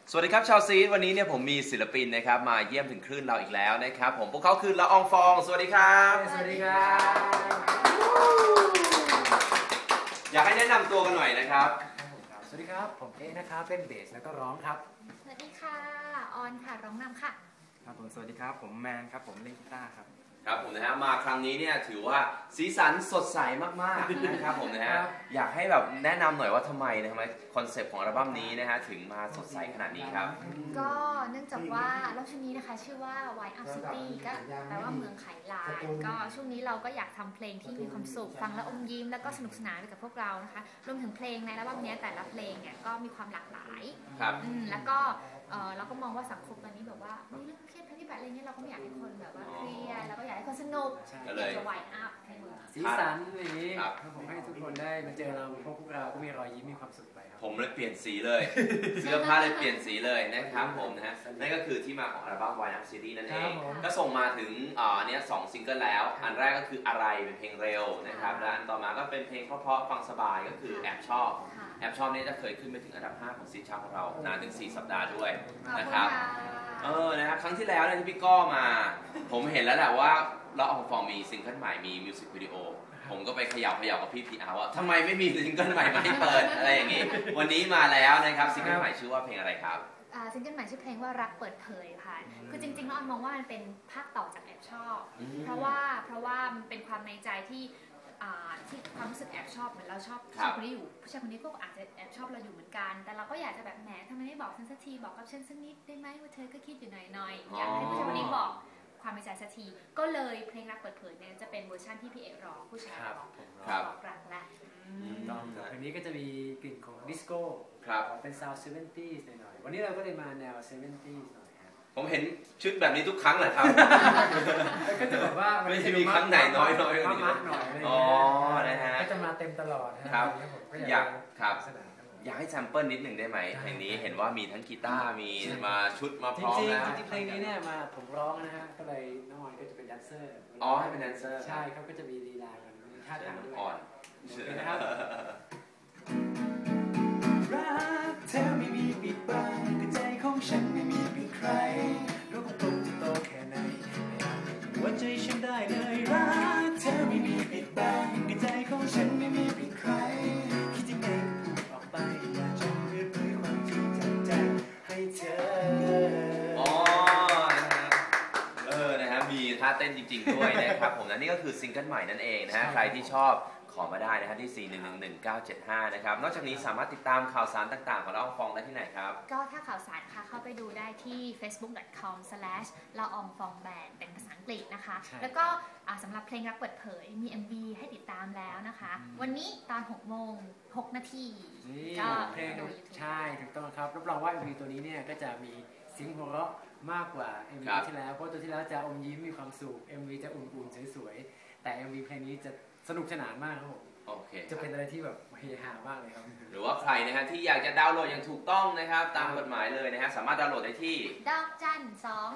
สวัสดีครับชาวซีดวันนี้เนี่ยผมมีศิลปินนะครับมาเยี่ยมถึงคลื่นเราอีกแล้วนะครับผมพวกเขาคือละอองฟองสวัสดีครับสวัสดีครับอยากให้แนะนำตัวกันหน่อยนะครับสวัสดีครับผมเอนะครับเล่นเบสแล้วก็ร้องครับสวัสดีค่ะออนค่ะร้องนำค่ะครับผมสวัสดีครับผมแมนครับผมเล่นกีตาร์ครับครับผมนะฮะมาครั้งนี้เนี่ยถือว่าสีสันสดใสมากๆนะครับผมนะฮะอยากให้แบบแนะนำหน่อยว่าทำไมคอนเซปต์ของอัลบั้มนี้นะฮะถึงมาสดใสขนาดนี้ครับก็เนื่องจากว่าอัลบั้มชุดนี้นะคะชื่อว่า Wine Up City ก็แปลว่าเมืองไขลานก็ช่วงนี้เราก็อยากทำเพลงที่มีความสุขฟังแล้วอมยิ้มแล้วก็สนุกสนานไปกับพวกเรานะคะรวมถึงเพลงในอัลบั้มนี้แต่ละเพลงเนี่ยก็มีความหลากหลายแล้วก็เราก็มองว่าสังคมตอนนี้แบบว่ามีเรื่องเครียดภัยพิบัติอะไรเงี้ยเราก็ไม่อยากให้คนแบบว่าเครียดแล้วก็อยากให้คนสนุกอยากจะไวน์อัพในเมืองสีสันอย่างนี้ผมให้ทุกคนได้มาเจอเราพวกเราก็มีรอยยิ้มมีความสุขไปครับผมเลยเปลี่ยนสีเลยเสื้อผ้าเลยเปลี่ยนสีเลยนะครับผมนะฮะนั่นก็คือที่มาของอัลบั้ม Wine Up City นั่นเองก็ส่งมาถึงเนี่ย2ซิงเกิลแล้วอันแรกก็คืออะไรเป็นเพลงเร็วนะครับและอันต่อมาก็เป็นเพลงเพราะๆฟังสบายก็คือแอบชอบนี่จะเคยขึ้นไปถึงอันดับ5ของซีชาร์ตของเรานานถึง4 สัปดาห์ด้วยนะครับนะครับครั้งที่แล้วเนี่ยที่พี่ก้อมาผมเห็นแล้วแหละว่าละอองฟองมีซิงเกิลใหม่มีมิวสิกวิดีโอผมก็ไปเขย่ากับพี่พีอาร์ว่าทำไมไม่มีซิงเกิลใหม่มาให้เปิดอะไรอย่างนี้วันนี้มาแล้วนะครับซิงเกิลใหม่ชื่อว่าเพลงอะไรครับซิงเกิลใหม่ชื่อเพลงว่ารักเปิดเผยค่ะคือจริงๆแล้วออนมองว่ามันเป็นภาคต่อจากแอบชอบเพราะว่ามันเป็นความในใจที่ความรู้สึกแอบชอบเหมือนเราชอบผู้ชายคนนี้อยู่ผู้ชายคนนี้ก็อาจจะแอบชอบเราอยู่เหมือนกันแต่เราก็อยากจะแบบแหมทำไมไม่บอกฉันสักทีบอกกับฉันสักนิดได้ไหมว่าเธอก็คิดอยู่หน่อยอยากให้ผู้ชายคนนี้บอกความในใจสักทีก็เลยเพลงรักเปิดเผยเนี่ยจะเป็นเวอร์ชันที่พี่เอร้องผู้ชายร้องบอกรักและเพลงนี้ก็จะมีกลิ่นของดิสโก้เป็นซาวด์70sหน่อยวันนี้เราก็เลยมาแนว70sหน่อยผมเห็นชุดแบบนี้ทุกครั้งแหละครับก็จะแบบว่าไม่ใช่มีครั้งไหนน้อยอ๋อนะฮะก็จะมาเต็มตลอดครับอยากให้แซมเปิลนิดหนึ่งได้ไหมเพลงนี้เห็นว่ามีทั้งกีตาร์มีมาชุดมาพร้อมนะจริงๆเพลงนี้เนี่ยมาผมร้องนะฮะก็เลยน้องออนก็จะเป็นแดนเซอร์ให้เป็นแดนเซอร์ใช่เขาก็จะมีลีลากันมีท่าทางด้วยอ่อนนะครับรักเธอไม่มีปิดบังแต่ใจของฉันไม่มีปิดใครรู้ว่าผมจะโตแค่ไหนไม่อาจหัวใจฉันได้เลยรักเธอไม่มีปิดบังแต่ใจของฉันไม่มีปิดใครคิดยังไงพูดออกไปอยากจะเปิดเผยความจริงจากใจให้เธอนะครับมีท่าเต้นจริงๆด้วยนะครับผมนะนี่ก็คือซิงเกิลใหม่นั่นเองนะฮะใครที่ชอบขอมาได้นะฮะที่ 4111975 นะครับนอกจากนี้สามารถติดตามข่าวสารต่างๆของละอองฟองได้ที่ไหนครับก็ถ้าข่าวสารค่ะเข้าไปดูได้ที่ facebook.com/ละอองฟองแบนด์เป็นภาษาอังกฤษนะคะแล้วก็สำหรับเพลงรักเปิดเผยมี MV ให้ติดตามแล้วนะคะวันนี้ตอน 6:06 นาทีก็เพลงใช่ถูกต้องครับรับรองว่า MV ตัวนี้เนี่ยก็จะมีเสียงหัวเราะมากกว่า MV ที่แล้วเพราะตัวที่แล้วจะอมยิ้มมีความสุข MV จะอุ่นๆสวยๆแต่ MV เพลงนี้จะสนุกสนานมากครับผมจะเป็นอะไรที่แบบเฮฮามากเลยครับหรือว่าใครนะฮะที่อยากจะดาวน์โหลดอย่างถูกต้องนะครับตามกฎหมายเลยนะฮะสามารถดาวน์โหลดได้ที่ดอกจัน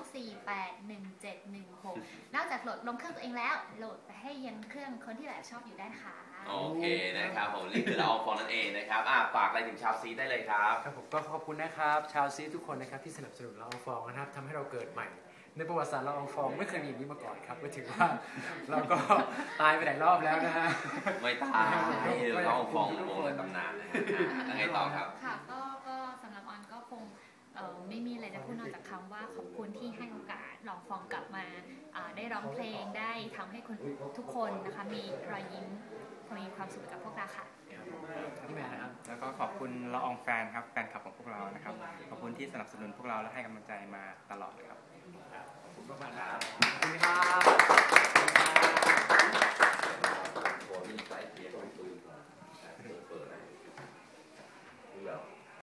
2481716นอกจากโหลดลงเครื่องตัวเองแล้วโหลดไปให้ยันเครื่องคนที่แบบชอบอยู่ได้ค่ะโอเคนะครับผมนี่คือละอองฟองนั่นเองนะครับฝากอะไรถึงชาวซีได้เลยครับครับผมก็ขอบคุณนะครับชาวซีทุกคนนะครับที่สนับสนุนละอองฟองนะครับทำให้เราเกิดใหม่ในประวัติศาสตร์ละอองฟองไม่เคยมีอย่างนี้มาก่อนครับก็ถือว่าเราก็ตายไปหลายรอบแล้วนะฮะไม่ตายละอองฟองวงในตำนานนะฮะยังไงต่อครับค่ะก็สำหรับออนก็คงไม่มีอะไรจะพูดนอกจากคำว่าขอบคุณที่ให้โอกาสละอองฟองกลับมาได้ร้องเพลงได้ทำให้คนทุกคนนะคะมีรอยยิ้มมีความสุขกับพวกเราค่ะพี่แม่นะครับแล้วก็ขอบคุณละอองแฟนครับแฟนคลับของพวกเรานะครับขอบคุณที่สนับสนุนพวกเราและให้กำลังใจมาตลอดครับขอบคุณมากครับขอบคุณครับ